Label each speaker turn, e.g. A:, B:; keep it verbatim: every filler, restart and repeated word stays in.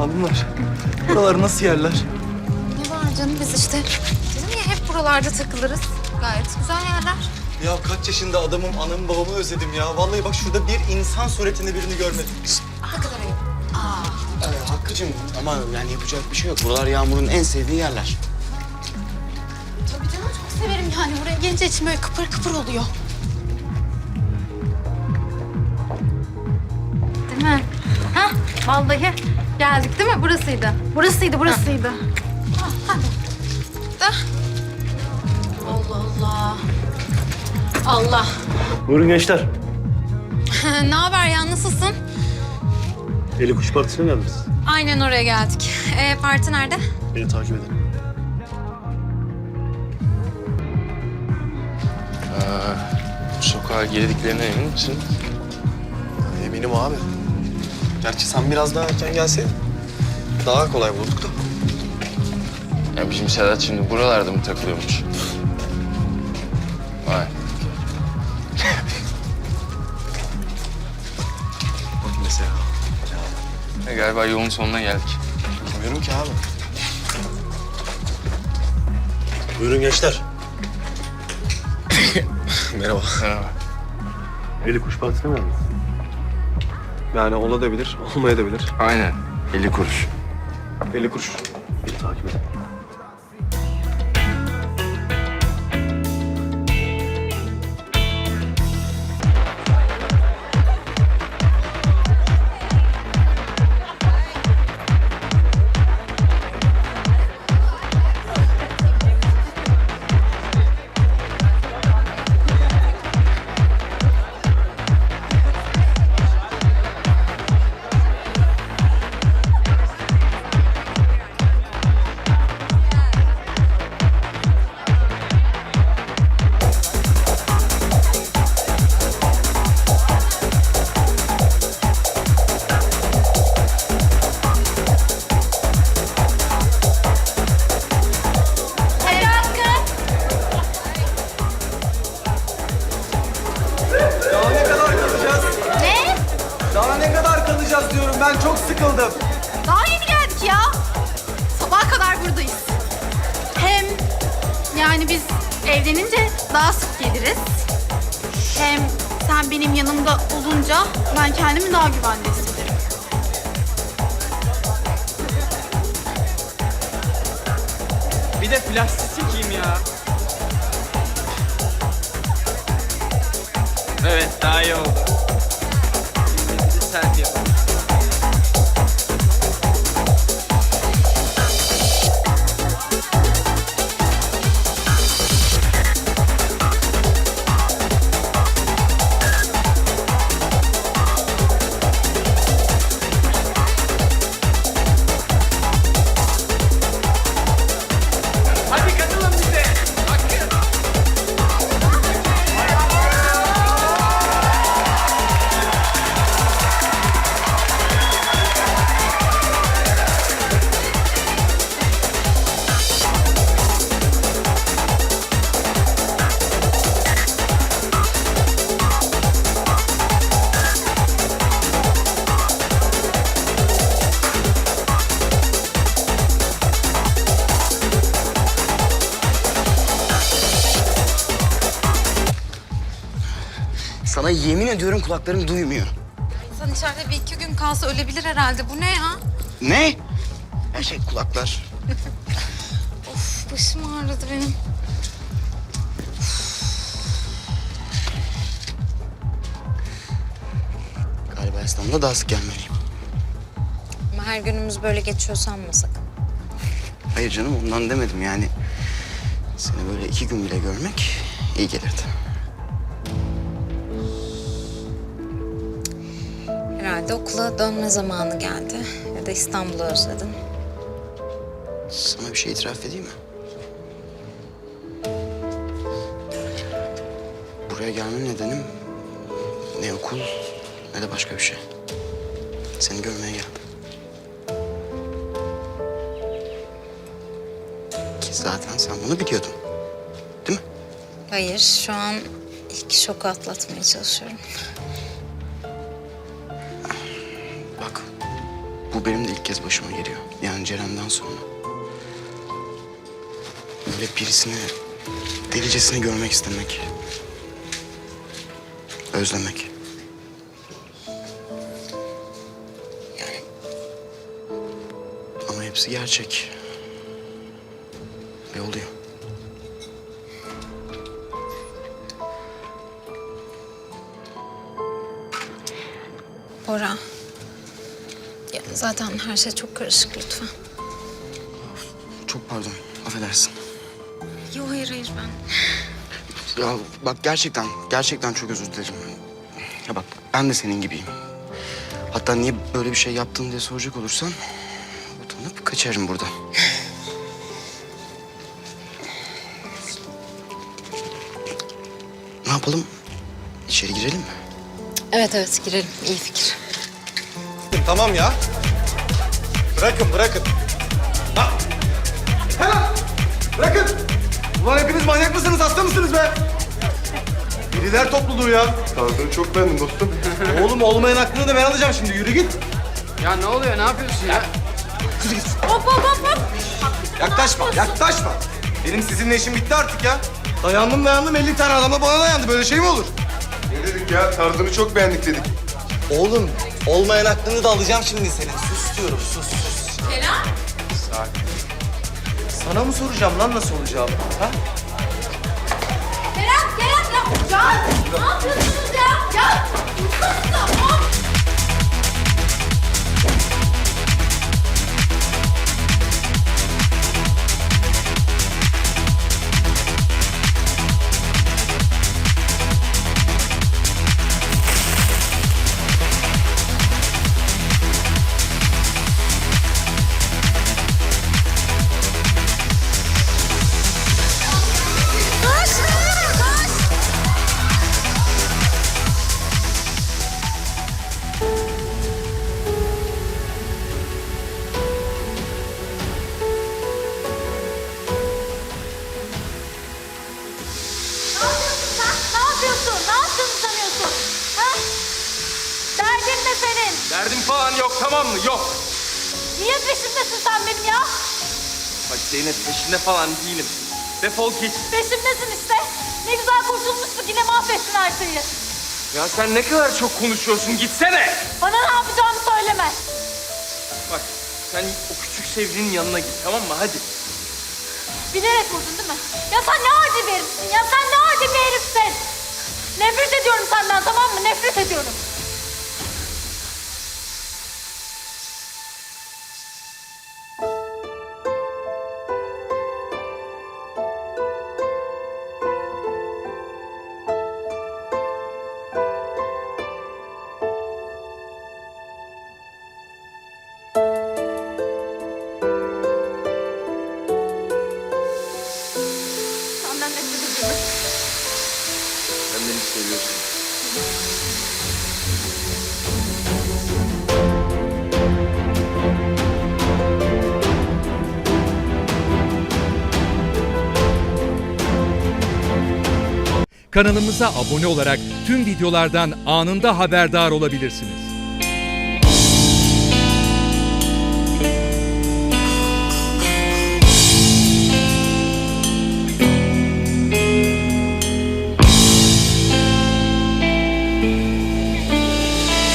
A: Hanımlar, buralar nasıl yerler?
B: Ne var canım biz işte. Dedim ya hep buralarda takılırız. Gayet güzel yerler.
A: Ya kaç yaşında adamım, anamı babamı özledim ya. Vallahi bak şurada bir insan suretinde birini görmedim.
B: Ne kadar ayıp. Aa.
C: Ee, Hakkı'cığım ama yani yapacak bir şey yok. Buralar Yağmur'un en sevdiği yerler.
B: Tabii canım çok severim yani. Buraya gelince içim böyle kıpır kıpır oluyor. Değil mi? Hah vallahi geldik değil mi? Burasıydı. Burasıydı, burasıydı. Ah, hadi. Da. Allah Allah. Allah.
D: Buyurun gençler.
B: Ne haber ya? Nasılsın?
D: Eli Kuş Partisi'ne geldiniz.
B: Aynen oraya geldik. Ee, parti nerede?
D: Beni takip edin.
E: Sokağa girdiklerine emin misin?
A: Eminim abi. Gerçi sen biraz daha erken gelseydin daha kolay bulduk da.
E: Ya bizim Sedat şimdi buralarda mı takılıyormuş? Vay.
A: Bak mesela.
E: E, galiba yolun sonuna geldik.
A: Bilmiyorum ki abi.
D: Buyurun gençler.
A: Merhaba.
E: Merhaba.
D: Eli Kuş Partisi'ne mi geldiniz?
A: Yani olabilir, olmayabilir.
E: Aynen. elli kuruş.
A: elli kuruş.
D: Beni takip edin.
A: Daha ne kadar kalacağız?
B: Ne?
A: Daha ne kadar kalacağız diyorum. Ben çok sıkıldım.
B: Daha yeni geldik ya. Sabaha kadar buradayız. Hem yani biz evlenince daha sık geliriz. Hem sen benim yanımda olunca ben kendimi daha güvende hissederim.
F: Bir de plastik çekeyim ya. Evet, daha iyi oldu. Şimdi bir de selfie yapalım. Hadi katılın bize. Hakkı.
C: Sana yemin ediyorum kulaklarım duymuyor.
B: İnsan içeride bir iki gün kalsa ölebilir herhalde. Bu ne ya?
C: Ne? Her şey kulaklar.
B: Of başım ağrıdı benim.
C: Galiba İstanbul'a daha sık gelmeliyim.
B: Ama her günümüz böyle geçiyor sanmasak.
C: Hayır canım ondan demedim yani. Seni böyle iki gün bile görmek iyi gelirdi.
B: Herhalde okula dönme zamanı geldi. Ya da İstanbul'u özledin.
C: Sana bir şey itiraf edeyim mi? Buraya gelme nedenim ne okul ne de başka bir şey. Seni görmeye geldim. Ki zaten sen bunu biliyordun. Değil mi?
B: Hayır, şu an ilk şoku atlatmaya çalışıyorum.
C: Bak, bu benim de ilk kez başıma geliyor. Yani Ceren'den sonra. Böyle birisini delicesine görmek istemek. Özlemek. Yani... Ama hepsi gerçek. Ve oluyor.
G: Bora. Ya zaten her şey çok karışık lütfen.
C: Çok pardon, affedersin.
G: Yok hayır hayır ben.
C: Ya bak gerçekten, gerçekten çok özür dilerim. Ya bak ben de senin gibiyim. Hatta niye böyle bir şey yaptın diye soracak olursan... utanıp kaçarım burada. Ne yapalım? İçeri girelim mi?
G: Evet evet girelim. İyi fikir.
A: Tamam ya. Bırakın, bırakın. Ha. Hemen. Bırakın. Ulan hepiniz manyak mısınız, hasta mısınız be? Biriler topluluğu ya.
D: Tarzını çok beğendim dostum.
A: Oğlum olmayan aklını da ben alacağım şimdi. Yürü git.
F: Ya ne oluyor? Ne yapıyorsun ya?
B: Hop hop hop hop.
A: Yaklaşma, yaklaşma. Benim sizinle işim bitti artık ya. Dayandım dayandım elli tane adamla bana dayandı. Böyle şey mi olur?
D: Ne dedik ya? Tarzını çok beğendik dedik.
A: Oğlum olmayan aklını da alacağım şimdi senin. Sus diyorum, sus sus.
B: Kerem.
A: Sana mı soracağım lan nasıl olacağım? Ha?
B: Kerem, Kerem ya. Ya ne yapıyorsunuz ya? Ya. Dursanıza, hop. Ne yapıyorsun sen? Ne yapıyorsun? Ne yaptığını sanıyorsun? Ha? Derdin ne senin?
H: Derdim falan yok, tamam mı? Yok.
B: Niye peşimdesin sen benim ya?
H: Bak Zeynep, peşinde falan değilim. Defol git.
B: Peşimdesin işte. Ne güzel kurtulmuştuk, yine mahvettin her şeyi.
H: Ya sen ne kadar çok konuşuyorsun, gitsene.
B: Bana ne yapacağımı söyleme.
H: Bak sen o küçük sevgilinin yanına git, tamam mı? Hadi.
B: Bilerek vurdun değil mi? Ya sen ne adi bir herifsin ya, sen ne adi bir herifsin. Nefret ediyorum senden, tamam mı? Nefret ediyorum. Senden nefret ediyorum.
H: Sen beni seviyorsun.
I: Kanalımıza abone olarak tüm videolardan anında haberdar olabilirsiniz.